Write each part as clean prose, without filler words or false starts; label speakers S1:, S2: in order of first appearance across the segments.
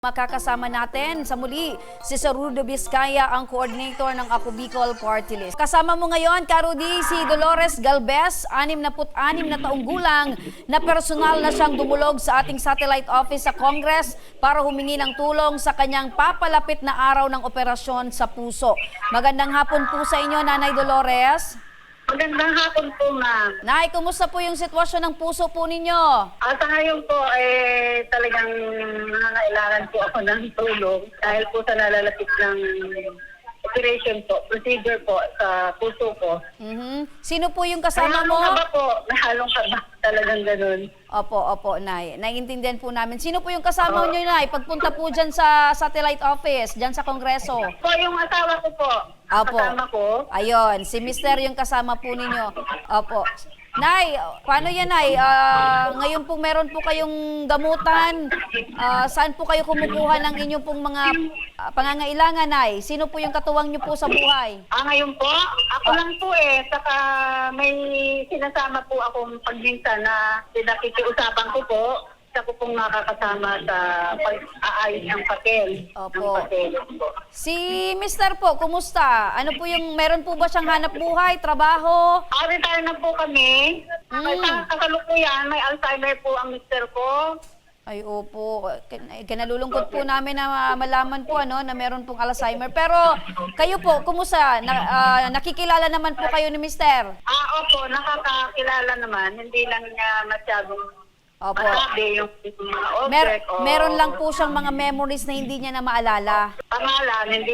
S1: Makakasama natin sa muli si Sir Rudy Vizcaya, ang coordinator ng Ako Bicol Party List. Kasama mo ngayon, Ka-Rudy, si Dolores Galvez, 66 na taong gulang, na personal na siyang dumulog sa ating satellite office sa Congress para humingi ng tulong sa kanyang papalapit na araw ng operasyon sa puso. Magandang hapon po sa inyo, Nanay Dolores.
S2: Magandang hapon po, ma'am.
S1: Nay, kumusta po yung sitwasyon ng puso po ninyo?
S2: Sa ngayon po, talagang nangangailangan po ako ng tulong dahil po sa nalalapit ng operation po, procedure po sa puso ko.
S1: Sino po yung kasama mo?
S2: May halong kaba po. May halong kaba. Talagang ganun.
S1: Opo, Nay. Naiintindihan po namin. Sino po yung kasama nyo, Nay? Pagpunta po dyan sa satellite office, dyan sa Kongreso.
S2: Po, yung asawa ko po.
S1: Opo.
S2: Kasama ko.
S1: Ayun, si Mister yung kasama po ninyo. Opo. Nay, paano yan, Nay? Ngayon po meron po kayong gamutan. Saan po kayo kumukuha ng inyong pong mga pangangailangan, Nay? Sino po yung katuwang nyo po sa buhay?
S2: Ngayon po, ako lang po Saka may sinasama po akong pagminsan na pinakikiusapan ko po. Isa ko pong nakakasama sa pag-aayos ng papel.
S1: Opo.
S2: Ng papel.
S1: Si Mister po, kumusta? Ano po yung, meron po ba siyang hanap buhay, trabaho?
S2: Retire na po kami. Sa kasalukuyan, may Alzheimer po ang mister ko.
S1: Ay, opo. Kinalulungkot po namin na malaman po na meron pong Alzheimer. Pero kayo po, kumusta? Nakikilala naman po kayo ni Mister?
S2: Opo, nakakakilala naman. Hindi lang niya masyadong
S1: Opo.
S2: masabi yung mga object.
S1: Meron lang po siyang mga memories na hindi niya na maalala.
S2: Pangalan, hindi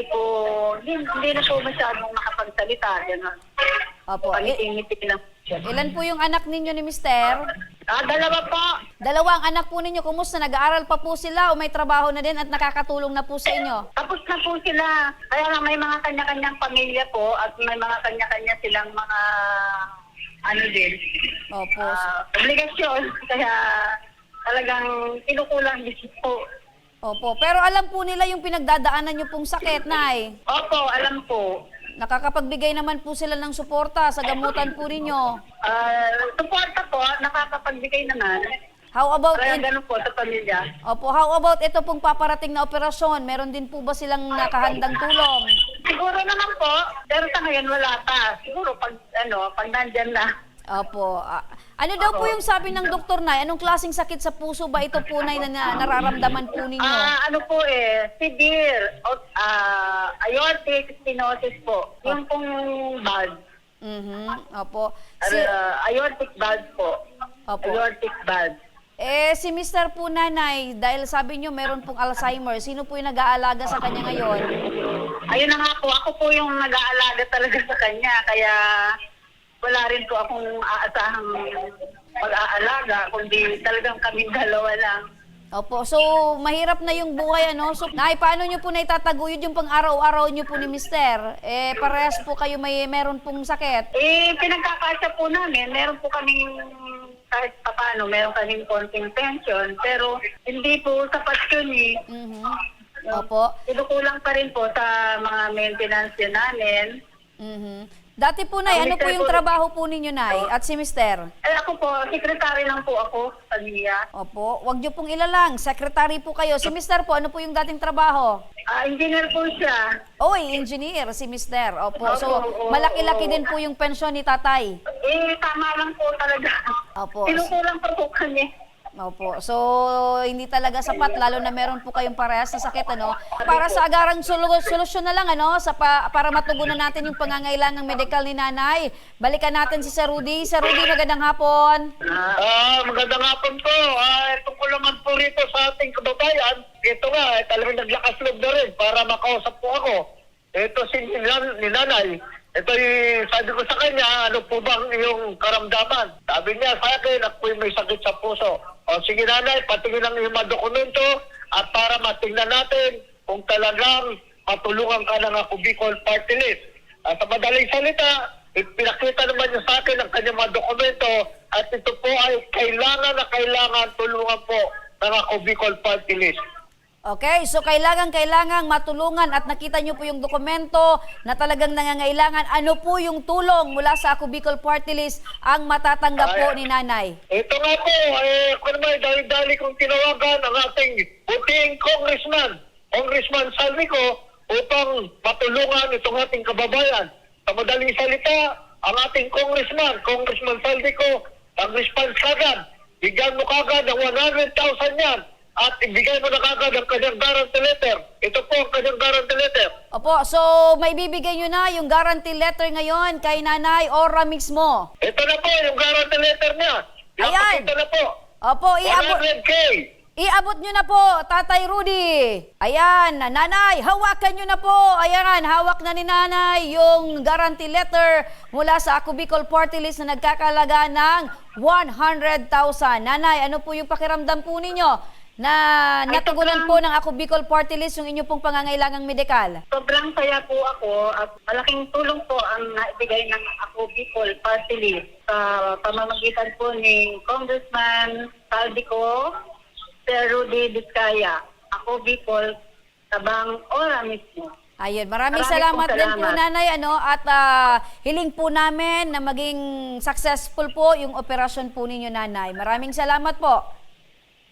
S2: na po masyadong makapagsalita. Ganun.
S1: Opo.
S2: Pangiti-ngiti lang siya.
S1: Ilan po yung anak ninyo ni Mister?
S2: Dalawa po.
S1: Dalawang anak po ninyo. Kumusta? Nag-aaral pa po sila o may trabaho na din at nakakatulong na po sa inyo?
S2: Tapos na po sila. Kaya nga may mga kanya-kanyang pamilya po at may mga kanya-kanya silang mga din.
S1: Opo.
S2: Obligasyon. Kaya talagang kinukulang din po.
S1: Opo. Pero alam po nila yung pinagdadaanan nyo pong sakit, Nay.
S2: Opo, alam po.
S1: Nakakapagbigay naman po sila ng suporta sa gamutan po ninyo.
S2: Suporta po, nakakapagbigay naman.
S1: How about
S2: Kaya ganun po sa pamilya.
S1: Opo, how about ito pong paparating na operasyon? Meron din po ba silang nakahandang tulong?
S2: Siguro naman po, pero sa ngayon wala pa. Siguro pag nandyan na.
S1: Opo. Ano daw po yung sabi ng doktor, Nay? Anong klaseng sakit sa puso ba ito po, Nay, na nararamdaman po ninyo?
S2: Severe aortic stenosis po. Yung pong valve.
S1: Opo.
S2: Aortic valve po.
S1: Opo.
S2: Aortic valve.
S1: Si Mister po, Nanay, dahil sabi nyo meron pong Alzheimer, sino po yung nag-aalaga sa kanya ngayon?
S2: Ayun na nga po, ako po yung nag-aalaga talaga sa kanya. Kaya wala rin po akong aasahang mag-aalaga, kundi talagang kaming dalawa lang.
S1: Opo, so mahirap na yung buhay, So, Nay, paano nyo po na itataguyod yung pang-araw-araw nyo po ni Mister? Parehas po kayo meron pong sakit.
S2: Pinagkakasya po namin, meron po kaming kahit paano, meron kaming konting pension, pero hindi po sapat yun
S1: Opo.
S2: Kinukulang pa rin po sa mga maintenance yun namin.
S1: Dati po, Nay, ano po yung trabaho po ninyo, Nay? At si Mister?
S2: Ako po, secretary lang po ako sa NIA.
S1: Opo, wag nyo pong ilalang. Secretary po kayo. Si Mister po, ano po yung dating trabaho?
S2: Engineer po siya.
S1: Oy, engineer si Mister. Opo, so malaki-laki din po yung pensyon ni tatay.
S2: Tama lang po talaga.
S1: Opo.
S2: Kinukulang pa po kanya.
S1: Opo. So, hindi talaga sapat, lalo na meron po kayong parehas na sakit, Para sa agarang solusyon na lang, para matugunan natin yung pangangailangang medical ni Nanay. Balikan natin si Sir Rudy. Sir Rudy, magandang hapon.
S3: Magandang hapon po. Tungkol naman po rito sa ating kababayan, ito nga, talagang naglakas loob na rin para makausap po ako. Ito si ni Nanay. Ito sabi ko sa kanya, ano po bang iyong karamdaman? Sabi niya sa akin, ako may sakit sa puso. O sige Nanay, patingin lang yung mga dokumento at para matingnan natin kung talagang matulungan ka ng Ako Bicol Party List. Sa madaling salita, pinakita naman niya sa akin ang kanyang mga dokumento at ito po ay kailangan tulungan po ng Ako Bicol Party List.
S1: Okay, so kailangang matulungan at nakita nyo po yung dokumento na talagang nangangailangan. Ano po yung tulong mula sa Ako Bicol Party List ang matatanggap po ni nanay?
S3: Ito nga po, kung naman dali-dali kong tinawagan ang ating puting Congressman Salvico, upang matulungan itong ating kababayan. Sa madaling salita, ang ating Congressman Salvico, ang response kagad, bigyan mo kagad ng 100,000 yan at ibigay mo na kagad ang kanyang guarantee letter. Ito po ang kanyang guarantee letter.
S1: Opo, so may bibigay nyo na yung guarantee letter ngayon kay Nanay Ora mismo.
S3: Ito na po yung guarantee letter niya.
S1: Ayan.
S3: Ito na po.
S1: Opo,
S3: 100K.
S1: Iabot nyo na po, Tatay Rudy. Ayan, Nanay, hawakan nyo na po. Ayan, hawak na ni Nanay yung guarantee letter mula sa Ako Bicol Party List na nagkakalaga ng 100,000. Nanay, ano po yung pakiramdam po ninyo na natugunan po ng Ako Bicol Party List yung inyo pong pangangailangang medikal?
S2: Sobrang saya po ako at malaking tulong po ang naibigay ng Ako Bicol Party List sa pamamagitan po ni Congressman Saldico, Sir Rudy Vizcaya, Ako Bicol, Tabang Ora mismo.
S1: Ayun, maraming
S2: Maraming
S1: salamat
S2: pong
S1: din po
S2: salamat.
S1: Nanay at hiling po namin na maging successful po yung operasyon po ninyo Nanay. Maraming salamat po.